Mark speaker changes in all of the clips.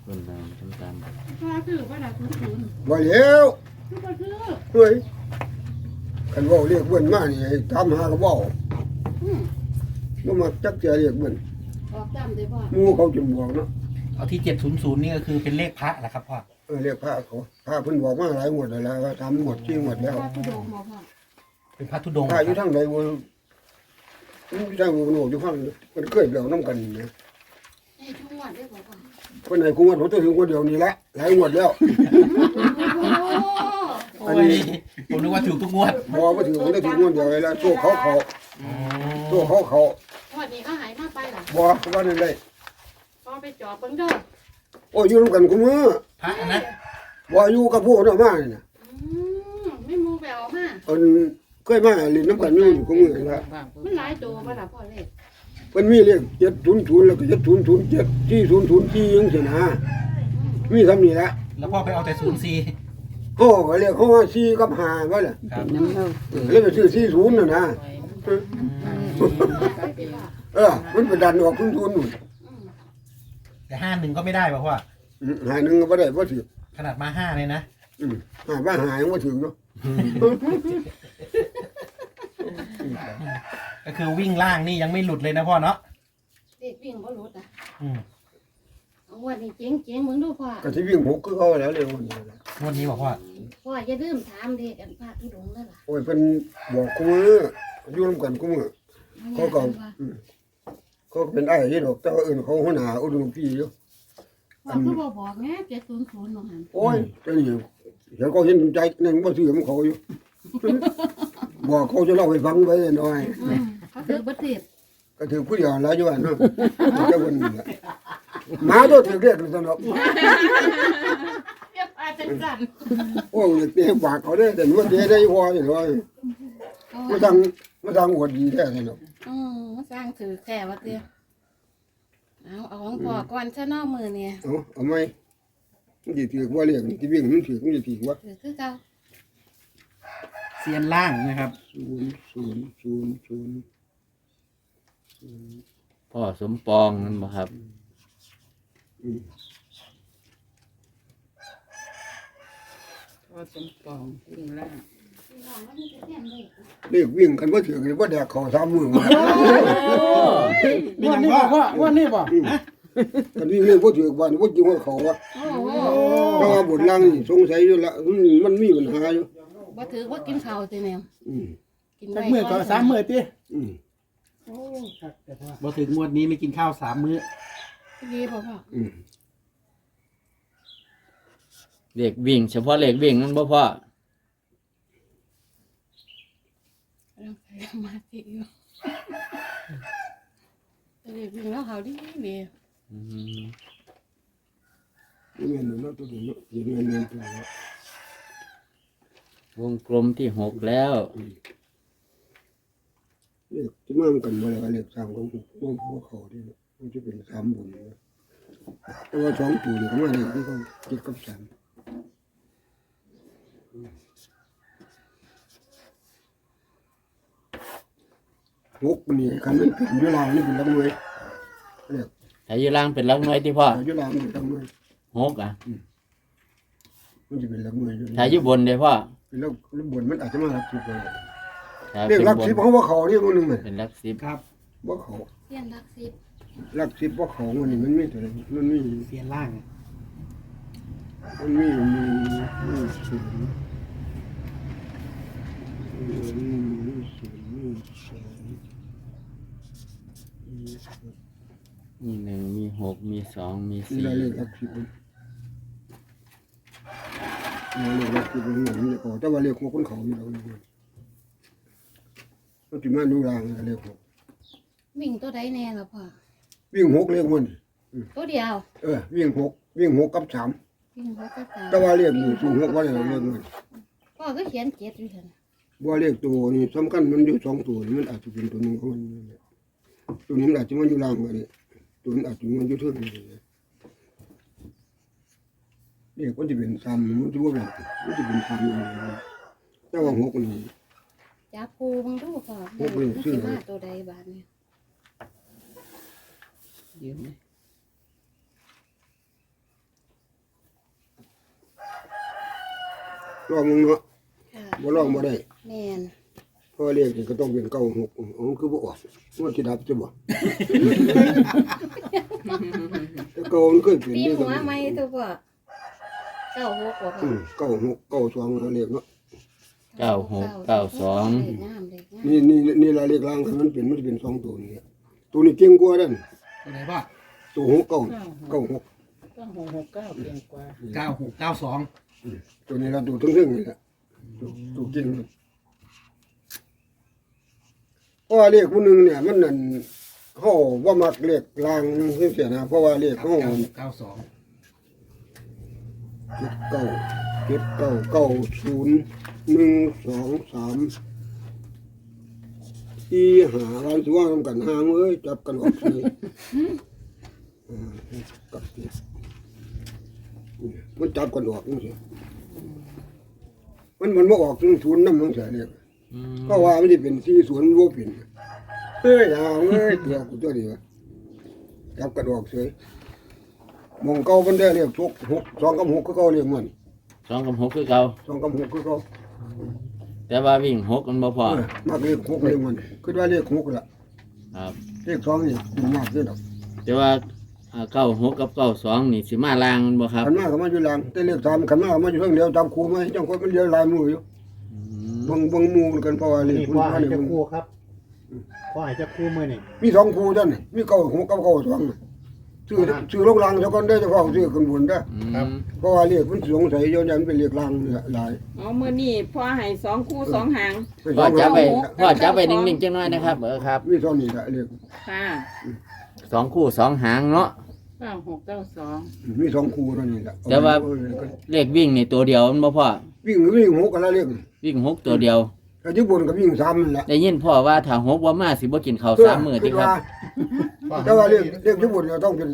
Speaker 1: คนตามตาม
Speaker 2: พ่อซื้อว่าได้00
Speaker 3: บ่แล้ว
Speaker 2: คือบ่ซื้อ
Speaker 3: เฮ้ยคันเว้าเรียกเบิ่นมานี่ให้ถามหาก็เว้า
Speaker 2: อืม
Speaker 3: บ่มักจักเทื่อเรียกเบิ่น
Speaker 2: ออกจำได้พ่อ
Speaker 3: หมู่เขาจนบอกเนาะ
Speaker 4: เอาที่700นี่ก็คือเป็นเลขพระแหละครับพ่อ
Speaker 3: เรียกพระเขาพระเพิ่นบอกมาหลายงวดแล้วว่าทำงวด4งวดแล้ว
Speaker 2: พ่อทุดงบ่พ่อ
Speaker 4: เป็นพระธุดงค์
Speaker 3: พระอยู่ทางใดบ่อยู่ทางบ่รู้อยู่ฟังมันเคยแล้วนํกันนะ
Speaker 2: ไอ้ทุกงวดได้บ่พ่อ
Speaker 3: เพิ่นให้กูงวดผมถึงงวดเดียวนี่ละหลายงวดแล้ว
Speaker 2: โอ้
Speaker 3: อัน
Speaker 4: โอ้ย
Speaker 3: นี้
Speaker 4: ผมนึกว่าถูกทุกงวด
Speaker 3: บ่ถึงผมได้ถึงงวดเดียวเลยละโซ่เขาโซ่เขา
Speaker 2: งวดนี้เขาหายมาไปล่ะ
Speaker 3: บ่ว่านั่นได้
Speaker 2: พ่อไปจอบเบิ่งเด้อ
Speaker 3: โอ้ยอยู่นํกันกูมือ
Speaker 4: พระนะ
Speaker 3: บ่อยู่กับพวกนั้นมานี่น่ะ
Speaker 2: ไม่มูไปเอามา
Speaker 3: เพิ่นเคยมาเล่นน้ำกันอยู่กูมือละ
Speaker 2: มันหลายตัวบ่ล่ะพ่อเลข
Speaker 3: เพิ่นมีเลข700แล้วก็7007 4004จังซี่นะมีคำนี้ละ
Speaker 4: แล้วพ่อไปเอาแต่04
Speaker 3: โอ้ก็เรียกเขาว่า4กับ5ว่าล่ะ
Speaker 4: ครับ
Speaker 3: เลยไปซื้อ40น่ะนะมันไปดันออก00นู่น
Speaker 4: แต่51ก็ไม่ได้ป่ะพ่อ
Speaker 3: หาหนึงก็บ่ได้บ่ถือ
Speaker 4: ขนาดมา5เลยนะ
Speaker 3: หาว่าหายังบ่ถึงเนาะ
Speaker 4: ก็คือวิ่งล่างนี่ยังไม่หลุดเลยนะพ่อเนาะ
Speaker 2: เลขวิ่งบ่หลุดอ่ะ
Speaker 4: อืม
Speaker 2: เอางวดนี้เจ๋งๆเบิ่งดูพ่อ
Speaker 3: ก็สิวิ่ง6คือเขาแล้วเร็วนี่ล่ะ
Speaker 4: งวดนี้บอกพ่อ
Speaker 2: พ่ออย่าลืมถามเลขอันพระทุดงค์เด้อล่ะ
Speaker 3: โอ้ยเพิ่นบอกกูมืออยู่นํกันกูมือเขาก็เขาก็เป็นอ้ายนี่ดอกแต่ว่าอื่นเขาหัวหน้าอุดมพี่อยู่
Speaker 2: พ่อคือบ่บอกแง่700เนาะหั่น
Speaker 3: โอ้ยเจ้านี่เดี๋ยวก็เห็นใจนั่นบ่ซื้อของเขาอยู่ บอกเขาจะเล่าให้ฟังไว้หน่อย
Speaker 2: เขาถือบ่ติด
Speaker 3: ก็ถือผู้เดียวหลายอยู่อันเนาะเจ้าคนนี้ล่ะหมาตัวถือเรียกสนอก
Speaker 2: เรียกอาจังซั่น
Speaker 3: โอ้ยเตะปากเขาได้แต่ว่าเตะได้พอนี่ว่ามาทางอวดดีแท้สนอก
Speaker 2: มาสร้างถือแค่ว่าเตี้ยเอาของพ่อก่อนซะเนอกมือเนี่ย
Speaker 3: เอาไหมมันสิถือว่าเรียกที่วิ่งมันถือมันสิถือว่า
Speaker 2: ถือคือเก่า
Speaker 4: เซียนล่างนะครับ
Speaker 3: 000
Speaker 1: พ่อสมปองนั่นบ่ครับ
Speaker 5: พ่อสมปองวิ่งล่าง
Speaker 3: เรียกวิ่งกันบ่ถือกันบ่แดกเขา3มื้อมา
Speaker 4: มีอย่างพ่อ
Speaker 5: ว่านี่บ่
Speaker 3: กันวิ่งเรื่องบ่ถือบ้านบ่จริงว่าเขาว่า
Speaker 2: โอ้โห
Speaker 3: เพราะว่าบทล่างนี่สงสัยอยู่ละมันมีปัญหาอยู่
Speaker 2: บ่ถือว่ากินข้าวสิแนว
Speaker 3: อืม
Speaker 2: กิน
Speaker 5: สั
Speaker 2: ไว้
Speaker 5: กมื้อก็3มื้อติ
Speaker 3: อืม
Speaker 2: โอ้
Speaker 5: ครับแต่พ่อ
Speaker 4: บ่ถึงงวดนี้ไม่กินข้าว3 มื้อ
Speaker 2: ดีพ่อพ่อ
Speaker 3: อืม
Speaker 1: เลขวิ่ง เฉพาะเลขวิ่งนั่นบ่พ่อ
Speaker 2: ร่างกายสมาธิอยู่แต่เด็กวิ่งแล้วเขาดีดี
Speaker 1: อืม
Speaker 3: นี่แม่นเนาะตัวนี้เนาะเดี๋ยวแม่นตัวเนาะ
Speaker 1: วงกลมที่6แล้ว
Speaker 3: เลขที่มากันบ่แล้วเลข3ของบ่เขาที่มันจะเป็น3บุญนะแต่ว่า2ตัวนี่ก็มาเลขที่เขา7กับ3หกนี่คันมันเป็นอยู่ล่างนี่เป็นลำหน่วยเลข
Speaker 1: ถ้าอยู่ล่างเป็นหลักหน่วยที่พ่อ
Speaker 3: อยู่ล่างนี่ลำหน่วย
Speaker 1: 6อ่ะ
Speaker 3: มันจะเป็นลำหน่วยอยู่
Speaker 1: ถ้าอยู่บนเด้พ่อ
Speaker 3: เป็นแล้วบนมันอาจจะมารับสิบเลย
Speaker 1: ถ้า
Speaker 3: เรียก
Speaker 1: เป็น
Speaker 3: รัก
Speaker 1: บน
Speaker 3: สิบเขาว่าเขาเรียกคนหนึ่งเลย
Speaker 1: เป็นหลัก10
Speaker 4: ครับ
Speaker 3: ว่าเขา
Speaker 2: เสี้ยนรักสิบ
Speaker 3: รักสิบว่าเขาวันนี้มันไม่ตัวไหนมันไม่
Speaker 4: เซียนล่าง
Speaker 3: มันไม่มีศูนย์มีศูนย์มีสอง
Speaker 1: มี1มี6มี2มี
Speaker 3: นี่ได้เลขรักสิบนี่เลขรักสิบมันเหมือนเลขเขาแต่ว่าเลขของคนเขาอยู่แล้วนี่มันจะมาดูรางเลขหก
Speaker 2: วิ่งตัวใดแน่ล่ะพ่อ
Speaker 3: วิ่งหกเลขมัน
Speaker 2: ตัวเดียว
Speaker 3: วิ่งหกกับสาม
Speaker 2: วิ่งหัวกระตา
Speaker 3: แต่ว่าเลขนี่สูงหกว่าเลขมัน
Speaker 2: พ่อก็เขียนเจ็ดอยู่เถอะนะ
Speaker 3: ว่าเลขตัวนี่สำคัญมันอยู่สองตัวนี่มันอาจจะเป็นตัวหนึ่งของมันนี่ตัวนี้มันอาจจะมันอยู่ล่างกว่านี้ตัวนี้อาจจะมันอยู่เท่านี้เลขมันจะเป็นซ้ำมันจะว่าแบบมันจะเป็นซ้ำอย่างนี้แต่ว่าหกนี่
Speaker 2: จับปูมึงดูพ่อ
Speaker 3: พวกวิ่งชื่
Speaker 2: สิ
Speaker 3: อ
Speaker 2: มาตัวใดบาดเนี่ย
Speaker 5: ยืนไหม
Speaker 3: ลองมึงเนาะ
Speaker 2: ค่ะ
Speaker 3: บ่ลองบ่ได้
Speaker 2: แม่น
Speaker 3: เพราะเลขนี่ก็ต้องเป็น96อ๋อคือบ่ออกมันสิดับจะบ่แต่เก่ามันเคยเป็น
Speaker 2: ปี
Speaker 3: เด้
Speaker 2: หัวไหมตัวพ่อเก้าหกบ่พ่อ
Speaker 3: 96 92เอาเลขเนาะ
Speaker 1: 96 92
Speaker 2: เลขงามเลขงาม
Speaker 3: นี่ละเลขล่างมันเป็นมันจะเป็น2ตัวนี่ตัวนี้เก่งกว่านั่น
Speaker 4: ตัวไหนพ่อ
Speaker 3: ตัว6 9 96
Speaker 5: ก็669เพียงกว่า
Speaker 4: 9692
Speaker 3: ตัวนี้ละตัวทึ่งๆนี่แหละตัวเก่งเพราะว่าเลขผู้หนึงเนี่ยมันนั่นเฮาบ่มักเลขล่างจังซี่นะเพราะว่าเลขเฮา
Speaker 4: 92
Speaker 3: อีหาร้านสิว่าทำกันห่างเอ้ยจับกันออกสิกับนี่มันจับกันออกจังซี่มันบ่ออกถึงศูนย์นำจังซี่เนี่ย
Speaker 1: อืม
Speaker 3: ก็ว่ามันสิเป็น40บ่เป็นเอ้ยห่างเอ้ยเดี๋ยวกูตัวนี้วะจับกันออกเฉยมองเก่ามันได้เรียก6 2กับ6คือเก่าเรียกมัน
Speaker 1: 2กับ6คือเก่า
Speaker 3: 2กับ6คือเก่า
Speaker 1: แต่ว่าวิ่ง6มันบ่พอ
Speaker 3: มักเลข6เรียกมันคือว่าเลข6ล่ะ
Speaker 1: ครับ
Speaker 3: เลข2นี่มันมากเด้อดอก
Speaker 1: แต่ว่า96กับ92นี่สิมาลางมันบ่ครับ
Speaker 3: คันมาก็มาอยู่หลังแต่เลข3คันมาก็มาอยู่เพิ่งเดียวตามครูมาจังคนมันเดียวหลายมืออยู่
Speaker 1: อืม
Speaker 3: เบิ่งหมู่กันเพราะว่าเลข
Speaker 6: นี่
Speaker 3: มัน
Speaker 6: พ่อ
Speaker 3: มา
Speaker 6: ให้
Speaker 3: เลข
Speaker 6: เจะ
Speaker 3: มัน
Speaker 6: คู่ครับพ่อให้เจะคู่มือนี่
Speaker 3: มี2ครูจังนี่มี96กับ92น่ะชื่อลงหลังซะก่อนเด้อเจ้าของชื่อขึ้นบนเด้อ
Speaker 1: อืม
Speaker 3: เพราะว่าเลขมันสงสัยอยู่ยันเป็นเลขหลังหลาย
Speaker 5: อ๋อมื้อนี้พ่อให้2คู่2หาง
Speaker 1: พ่อจับไปนิ่งๆจังหน่อยนะครับครับ
Speaker 3: มีเท่านี้ละเลข
Speaker 5: ค่ะ
Speaker 1: 2คู่2หางเนาะ
Speaker 5: 9692
Speaker 3: มี2ครูเท่านี้ละ
Speaker 1: แต่ว่า เลขวิ่งนี่ตัวเดียวมันบ่พอ
Speaker 3: วิ่ง6กันละเลข
Speaker 1: วิ่ง6ตัวเดียว
Speaker 3: แต่ที่บนก็วิ่ง3นั่นแหละ
Speaker 1: ได้ยินพ่อว่าถ้า6บ่มาสิบ่กินข้าว3มื้อติครับ
Speaker 3: แต่ว่าเลขที่บนเราต้องเป็น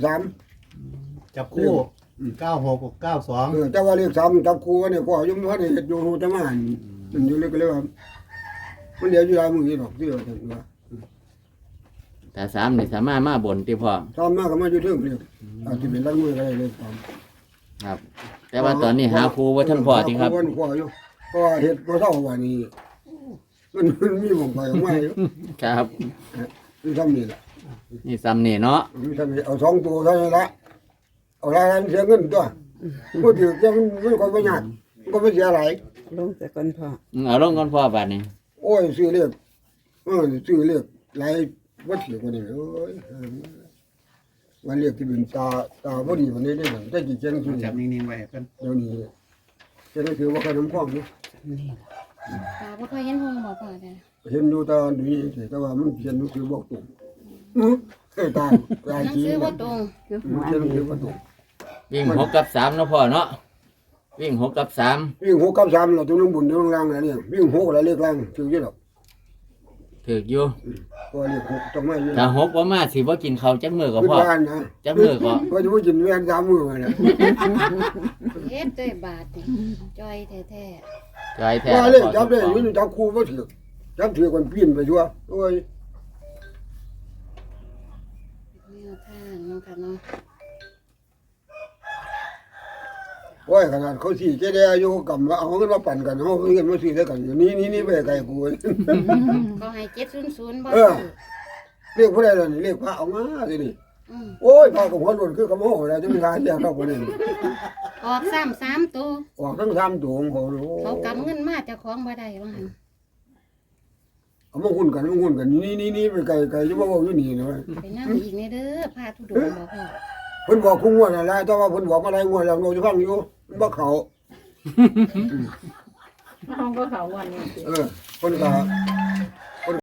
Speaker 3: 3
Speaker 6: จับคู่96กับ92
Speaker 3: แต่ว่าเลข3จับครูเนี่ยก็ยังบ่ได้เฮ็ดอยู่รู้แต่มามันอยู่เลยก็เลยว่ามันเดี๋ยวอยู่หลายมื้อนี่ดอกที่ว่าจังว่า
Speaker 1: ถ้า3นี่สามารถมาบนติพ่อ
Speaker 3: ซ้อมมาก็มาอยู่เทิงเลยอาจจะเป็นลังมือก็ได้เลยซ้อม
Speaker 1: ครับ แต่ว่าตอนนี้หาครูบ่ทันพอติครับ
Speaker 3: วันพออยู่เพราะว่าเฮ็ดบ่เท่าว่านี้มันมีบ่งไปออกมาอยู่
Speaker 1: ครับ
Speaker 3: มีซ้ำนี่ล่ะ
Speaker 1: นี่ซ้ำนี่เนาะ
Speaker 3: มีซ้ำนี่เอา2ตัวเท่านั้นละเอาหลายเสียเงินตัวบ่ถือจะมันก็บ่ยากมันก็บ่เสียหลาย
Speaker 5: ลงแต่ก่อนพ่อ
Speaker 1: เอาลงก่อนพ่อบัดนี้
Speaker 3: โอ้ยซื้อเลขซื้อเลขหลายบ่ถือบ่ได้โอ้ยวันเลขที่เป็นตาบ่ดีวันนี้ได้หนังแต่กี่เจนซื้อ
Speaker 4: จับนิ่งๆไว้กัน
Speaker 3: เดี๋ยวนี้จะได้ถือว่าขนมข้องนี่
Speaker 2: ตาบ่ค่อยเห็นหงบ่พ่อเด้อ
Speaker 3: เห็นดูตาดีแต่ว่ามันเขียนหนังสือบอกตรงเคยตาย
Speaker 2: หนังสือบ่ตรง
Speaker 3: เขียนหนังสือบอกตรง
Speaker 1: วิ่ง6กับ3เนาะพ่อเนาะวิ่ง6กับ3
Speaker 3: วิ่ง6กับ3เราต้องลงบุญต้องล่างนะเนี่ยวิ่ง6แล้วเลขล่างถืออยู่ดอก
Speaker 1: ถูกอยู่
Speaker 3: เพราะเลข6ต้องมาอยู่
Speaker 1: ถ้า6บ่มาสิบ่กินข้าวจักมื้อก็
Speaker 3: ขึ้น
Speaker 1: พ่อ
Speaker 3: บ้านนะ
Speaker 1: จักมื้อก็
Speaker 3: ก็จะไม่กินแม่น3มื้อนะ
Speaker 2: เฮ็ดด้วยบาทนี่จ้อยแท้
Speaker 1: จอยแท้
Speaker 3: ว่าเลขจับได้อยู่จับครูบ่ถือจับถือกันปีนไปทั่วโอ้ย
Speaker 2: ๆแนวทางเนาะค่ะเนาะ
Speaker 3: โอ้ยขนาดเขาสิเจได้อายุกำว่าเอาเงินมาปั่นกันเฮาเงินมาซื้อได้กันอยู่นี่ไปไกลกู
Speaker 2: ก็ให้700บ่
Speaker 3: เอ
Speaker 2: ซื้
Speaker 3: อ
Speaker 2: อ
Speaker 3: เรียกผู้ใดล่ะนี่เรียกพระเอามาสินี่
Speaker 2: อืม
Speaker 3: โอ้ยพระกับหัวหล่นคือกระโมแล้วจะมีการแยกเข้าคนนี้
Speaker 2: ออก3ตัว
Speaker 3: ออกทั้ง3ตัวของเขาโอ้
Speaker 2: เขากำเงินมาเจ้าของบ่ได้ว่าหั่น
Speaker 3: เอามาหุ้นกันนี่ไปไกลจะมาบอกอยู่นี่นะ
Speaker 2: ไปนั่งอีกในเด้อพาทุดงบ่พ่อ
Speaker 3: เพิ่นบอกคุ้งวดอะไรแต่ว่าเพิ่นบอกมาได้งวดแล้วเราจะฟังอยู่บ่เขา
Speaker 5: น้องก็เขาวันนี้สิ
Speaker 3: เพิ่นก็